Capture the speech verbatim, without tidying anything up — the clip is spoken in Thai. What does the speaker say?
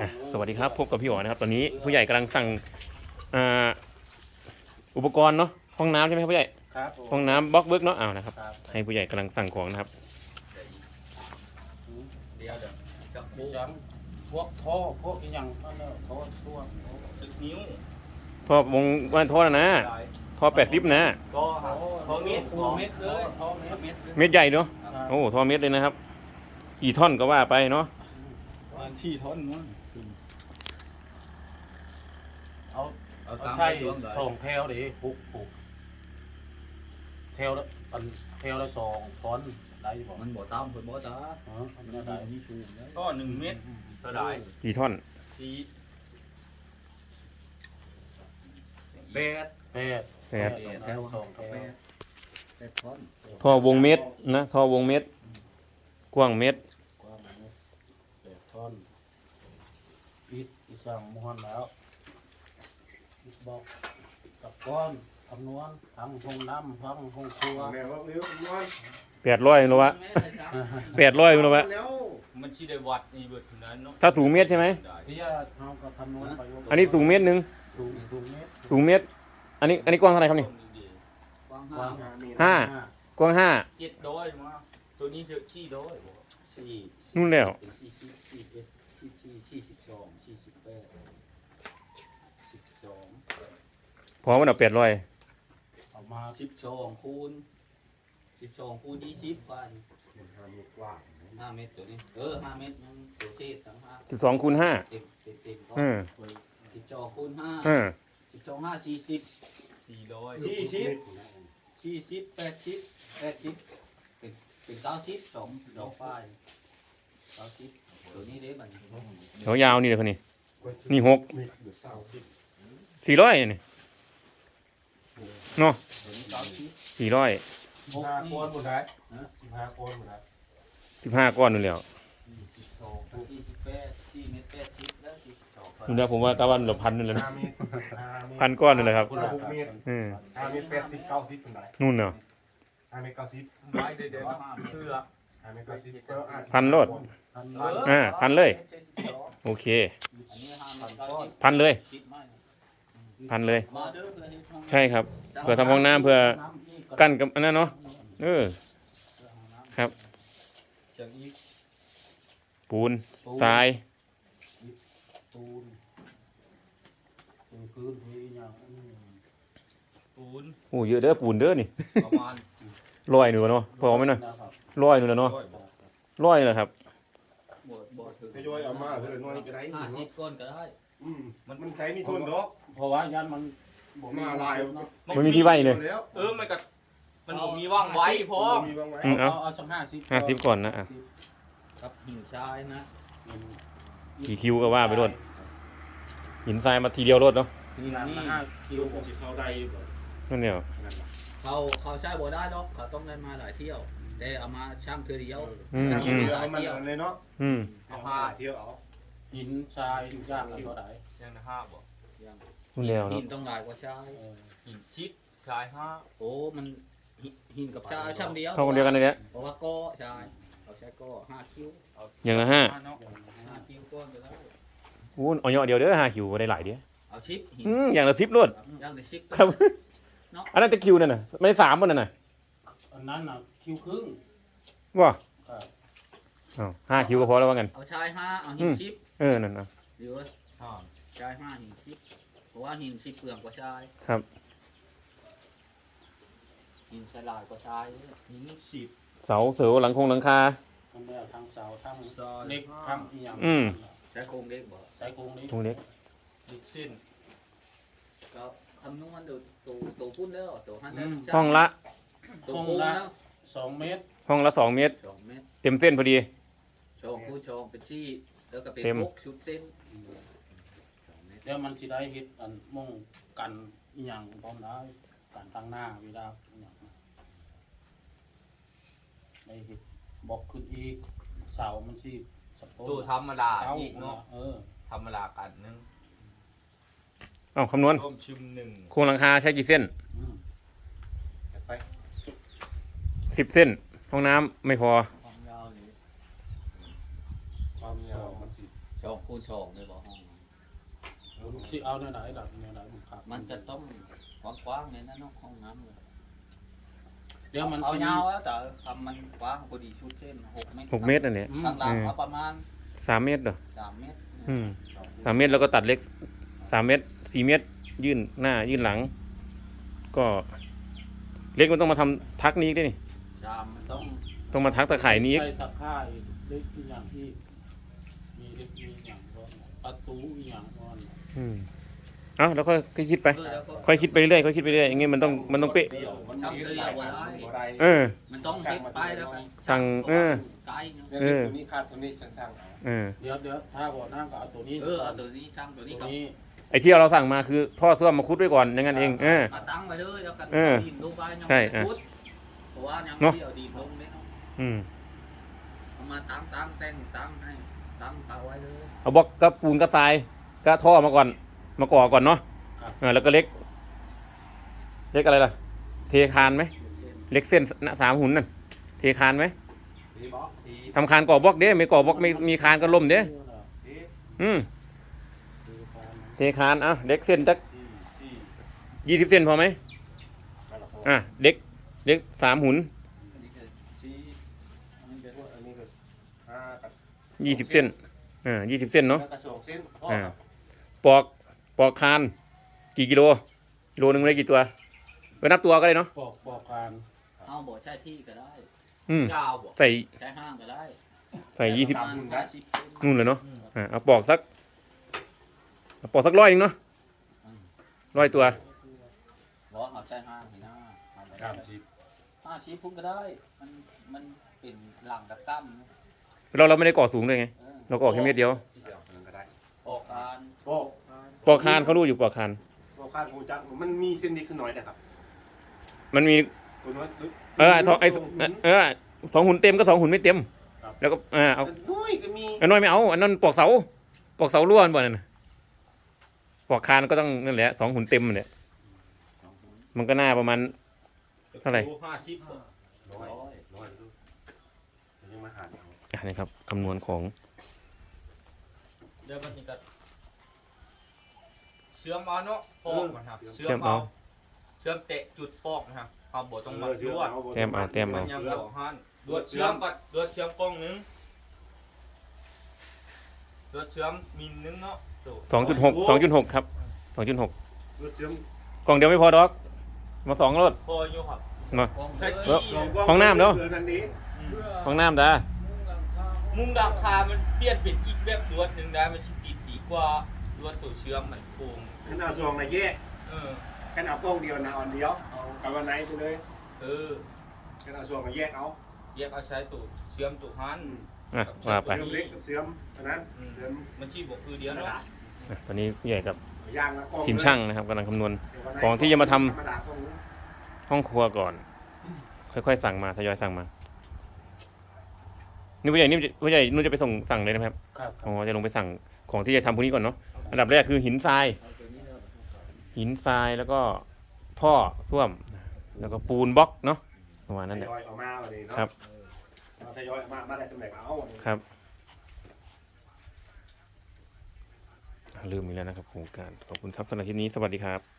อ่ะสวัสดีครับพบกับพี่อ๋อนะครับตอนนี้ผู้ใหญ่กำลังสั่งอ่าอุปกรณ์เนาะห้องน้ำใช่ไหมครับผู้ใหญ่ครับผมห้องน้ำบล็อกเบิร์กเนาะอ้าวนะครับครับให้ผู้ใหญ่กำลังสั่งของนะครับเดี๋ยวเดี๋ยวจับปูยังพวกท่อพวกอีหยังนั่นแหละท่อช่วงสิบนิ้วท่อวงว่านท่อนะนะท่อแปดสิบนะก็ครับพอเม็ดปูเม็ดเลยท่อเม็ดเม็ดเม็ดใหญ่เนาะครับโอ้ท่อเม็ดเลยนะครับ กี่ท่อนก็ว่าไปเนาะวันที่ทนมั้งเอาเอาเอาตามใช่ไปรวมเลยสองแถวดิปลูกปลูกแถวละอันแถวละสองต้นได้บ่มันบ่ตามเพิ่นบ่จ้าอ๋ออันนี้ได้นี่ชูก็หนึ่งเม็ดเท่าไหร่กี่ท่อนสี่แปดแปดแปดแถวสองแถวแปดทนท่อวงเม็ดนะท่อวงเม็ดกว้างเม็ดกว้างเม็ดแปดท่อนปิดอีสั่งม้วนแล้วอิฐบอกกับก้อนคำนวณทั้งห้องน้ำทั้งห้องครัวแม่ว่าเร็วมันแปดร้อยโลวะแปดร้อยโลวะแล้วมันสิได้วัดนี่เบิดเท่านั้นเนาะถ้าสูงเมตรใช่ไหมที่จะเอากับคำนวณไปอันนี้สูงเมตรหนึ่งสูงสูงเมตรสูงเมตร อันนี้อันนี้กว้างเท่าไหร่ครับนี่กว้างกว้างห้า กว้างห้าเจ็ดร้อยมาตัวนี้จะชี้ร้อยบ่สี่นู่นแล้วสี่สิบสี่เอ็ดสี่สี่สี่สิบสองสี่สิบแปดสิบสองพอมันเอาแปดร้อยเอามาสิบสองคูณสิบสองคูณยี่สิบพันมันทำมีกว้างห้าเมตรตัวนี้เออห้าเมตรยังตัวเศษทั้งห้าสิบสองคูณห้าเต็มเต็มเต็มเออสิบสองคูณห้าเออสิบสองห้าสี่สิบสี่ร้อยสี่สิบสี่สิบแปดสิบแปดสิบเป็นเป็นเก้าสิบสองดอกป้ายเก้าสิบตัวนี้เด้บัดนี้เขายาวนี่เลยคนนี้ นี่หกมีเดือดเศร้าที่สี่ร้อยนี่เนาะตัวนี้เก้าสิบสี่ร้อยหกห้านี่คนหมดเลยสิบห้าคนหมดเลยสิบห้าก้อนนู่นแล้วสิบสองสี่สิบแปดสี่เมตรแปดสิบแล้วสิบสองนู่นแล้วผมว่าตะวันละพันนู่นเลยนะห้าเมตรห้าเมตรพันก้อนนู่นเลยครับคนละหกเมตรเออห้าเมตรแปดสิบเก้าสิบเป็นไรนู่นเนาะห้าเมตรเก้าสิบไม้เดี๋ยวเดี๋ยวเพื่อห้าเมตรเก้าสิบก็อาจพันโลดพันเอออ่าพันเลย โอเคอันนี้ห้าพันก้อนพันเลยสิบไม้พันเลยมาเด้อเพื่อให้ทำใช่ครับ เพื่อทำห้องน้ำเพื่อกั้นกับอันนั้นเนาะ เออ ครับจากอีกปูน ทรายปูนปูนพื้นที่อย่างนี้ปูนโอ้เยอะเด้อปูนเด้อนี่ประมาณร้อยหนึ่งเนาะพอไหมเนาะนะครับร้อยหนึ่งแล้วเนาะร้อยบาทร้อยเลยครับบ่บ่ถึงทยอยเอามาเท่าไหร่น้อยก็ได้ห้าสิบก้อนก็ได้อืมมันมันใช้มีทนดอกเพราะว่ายันมันบ่มาลายเนาะมันมีที่ไว้เลยแล้วเออมันก็มันบ่มีว่างไว้พอมีบางไว้อืม เอาเอาสักห้าสิบห้าสิบก่อนนะอ่ะกับหินทรายนะกี่คิวก็ว่าไปรถหินทรายมาทีเดียวรถเนาะนี่นี่ห้าคิวสิเข้าได้อยู่บ่นั่นเนี่ยนั่นล่ะเขาเขาใช้บ่ได้หรอกเขาต้องได้มาหลายเที่ยว แต่เอามาช่างเทื่อเดียวอืมถ้าอืมีมเอามันเอาเลยเนาะอืมเอาผ้าเที่ยวเอาหินทรายย่างละเท่าไหร่ยังนะห้าบ่ยังนู่นแล้วหิเนาะนต้องหลายกว่าทรายเออหินชิดทรายห้าโอ้มันหินหินกับทรายช่างเดียวเท่าคนเดียวกันเลยเนี่ยเพราะว่าก็ใช่เขาใช้ก็ห้าคิ้วเอาอย่างละห้าเนาะห้าคิ้วก้อนไปแล้วอู้เอาเนาะเดียวเด้อห้าคิวก็ได้หลายเดียวเอาชิปหินอืมอย่างละสิบรถย่างในชิปครับ อันนั้นจะคิวนั่นน่ะไม่สามมันนั่นน่ะอันนั้นน่ะคิวครึ่งว่าครับอ้าวห้าคิวก็พอแล้วว่ากันเอาชายห้าเอาหินชิปเออ นั่นนะเดี๋ยวชายห้าหินชิปเพราะว่าหินชิปเปลืองกว่าชายครับหินฉลาดกว่าชายหินสิบเสาเสือหลังคงหลังคามันได้ทั้งเสาทั้งซอยเล็กทั้งอีหยังอืมใช้โครงเล็กบ่ใช้โครงนี้ตรงเล็กดิกซินก็คำนวณดูตัวตัวพุ่นแล้วตัวหันแล้วห้องละตัวโค้งแล้วสองเมตรห้องละสองเมตรสองเมตรเต็มเส้นพอดีชองคู่ชองเป็นซี่แล้วก็เป็นเต็มพกชุดเส้นสองเมตรเดี๋ยวมันสิได้เฮ็ดอันม่งกันอีหยังพร้อมได้กันตั้งหน้าเวลาอีหยังได้เฮ็ดบอกขึ้นอีกเสามันสิสะโพกตัวธรรมดาเก้าอีกเนาะเออธรรมดากันหนึงเอ้าคำนวณร่วมชิมหนึ่งโครงหลังคาใช้กี่เส้นอืมไปสิบเส้น ห้องน้ำไม่พอความยาวนี่ความยาวมันสิช่องคูณช่องเลยบ่ห้องผมสิเอาแนวไหนดับแนวไหนผมครับมันจะต้องกว้างๆเลยนะเนาะห้องน้ำเลยเดี๋ยวมันเอายาวแล้วแต่ทำมันกว้างพอดีชุดเส้นหกเมตรหกเมตรอันเนี้ยอืมต่างๆเอาประมาณสามเมตรเหรอสามเมตรอืมสามเมตรแล้วก็ตัดเล็กสามเมตรสี่เมตร ยื่นหน้ายื่นหลัง ก็เล็กมันต้องมาทำทักนี้อีกด้วยนี่ชามมันต้องต้องมาทักตะข่ายนี้อีกใส่ตะข่ายเล็กอีกอย่างที่มีเล็กมีอย่างร้อนประตูอีกอย่างร้อนอืมเอ้าแล้วค่อยคิดไปเออแล้วก็ค่อยคิดไปเรื่อยค่อยคิดไปเรื่อยอย่างงี้มันต้องมันต้องเป๊ะเดี่ยวมันทำเดียวบ่ได้บ่ได้เออมันต้องเก็บไปแล้วกันสั่งเออไกลเนาะเนี่ยเออตัวนี้คาดตัวนี้ช่างๆเอาเออเดี๋ยวเดี๋ยวถ้าบ่อน้ำก็เอาตัวนี้เออเอาตัวนี้ช่างตัวนี้ตัวกับนี้ไอ้ที่เราสั่งมาคือท่อส้วมมาคุดไว้ก่อนอย่างนั้นเองเออมาตั้งไปเลยแล้วกันเออดินลงไปยังใช่ไม่อ่ะพุดเพราะว่ายังเนาะไม่เอาดินลงเลยเนาะอืมเอามาตั้งตั้งแต่งตั้งให้ตั้งเอาไว้เลยเอาบล็อกกับปูนกับทรายก็ท่อมาก่อน มาก่อก่อนเนาะเออแล้วก็เล็ก เล็กอะไรล่ะ เทคานไหมเส้นเล็กเส้นหน้าสามหุ่นนั่นเทคานไหมดีบ่ที่ทำคานก่อบล็อกเด้ไม่ก่อบล็อกไม่มีคานก็ล่มเด้ดีอืมเทคานเอ้าเล็กเส้นจักสี่สี่ยี่สิบเส้นพอไหมนั่นแหละพออ่ะเล็กเล็กสามหุ่นอันนี้คือสี่อันนี้คืออันนี้ก็ห้ากับยี่สิบเส้นอ่ายี่สิบเส้นเนาะแล้วก็สองเส้นพ่ออ่าครับปอกปอกคาน กี่กิโลกิโลหนึ่งได้กี่ตัวไปนับตัวก็ได้เนาะปอกปอกการเอาบ่ใช้ที่ก็ได้อืมเจ้าบ่ใส่ใช้ห้างก็ได้ใส่ยี่สิบประมาณห้าสิบเซนนู่นเลยเนาะอ่าเอาปอกสักเอาปอกสักร้อยหนึงเนาะร้อยตัวบ่เอาใช้ห้างนี่นะเอาไปสามสิบห้าสิบพุ่นก็ได้ มันมันเป็นหลังกับตั้มนะเราเราไม่ได้ก่อสูงเลยไงเออเราก็ออกแค่เม็ดเดียวเดี๋ยวมันก็ได้ออกการโอ้ปอกคานเขารู้อยู่ปอกคานโอ้คาดหูจักมันมีเส้นเล็กสักหน่อยนะครับมันมีตัวน้อยเออสองไอเออสองหุ่นเต็มก็สองหุ่นไม่เต็ม แล้วก็อ่าเอาน้อยก็มีอันน้อยไม่เอาอันนั้นปอกเสาปอกเสาล้วนบ่นั่นน่ะปอกคานก็ต้องนั่นแหละสองหุ่นเต็มเนี่ยมันก็น่าประมาณ เท่าไหร่ห้าสิบบ่น้อยน้อยดูยังมาหาเอาอ่ะนี่ครับคำนวณของเดี๋ยวมันจะเชื่อมเอาเนาะปอกนะครับเชื่อเชื่อมมเอาเอาเชื่อมเตะจุดปอกนะครับเอาบ่ต้องมาลวดแต้มเอาแต้มมัเอานยังบ่หันลวดเชื่อมก่อนลวดเชื่อมกล้องหนึงลวดเชื่อมมิลนึงเนาะตัวสองจุดหกสองจุดหกครับสองจุดหกรถเชื่อมกล่องเดียวไม่พอดอก มาสองรถพออยู่ครับมากล้องแค่เลยกี้ของน้ำเนอะอนั่นนี้อืมห้องน้ำจ้ามุมดักคามันเปลี่ยนเป็นอีกแบบลวดหนึงได้มันสิติดดีกว่าลวดตัวเชื่อมมันโค้งขนาดซองนะแยกเออแค่เอากล้องเดียวนะอันเดียวเอากับวันไหนไปเลยเออแค่เอาซองมาแยกเอาแยกเอาใช้ตัวเชื่อมตัวหันอ่ะว่าไปเสื่อมเล็กกับเสื่อมเท่านั้นอืมเสื่อมมันชีบอกคือเดียวกระเนาะดาษอ่ะตอนนี้ผู้ใหญ่กับย่างละกล้องทีมช่างนะครับกำลังคำนวณเดี๋ยววันไหนก่อนที่จะมาทำธรรมดากล้องนู้นห้องครัวก่อน ค่อยๆสั่งมาทยอยสั่งมา นี่ผู้ใหญ่นี่ผู้ใหญ่นู่นจะไปส่งสั่งเลยนะครับครับอ๋อจะลงไปสั่งของที่จะทำพวกนี้ก่อนเนาะอันดับแรกคือหินทรายเอาตัวนี้เลยหินทรายแล้วก็ท่อส้วม แล้วก็ปูนบล็อกเนาะประมาณนั้นทแหละยอยออกมาวันนี้เนาะครับเอาทยอยออกมามาได้สำเร็จเอาครับลืมอีกแล้วนะครับโครงการขอบคุณครับสำหรับคลิปนี้สวัสดีครับ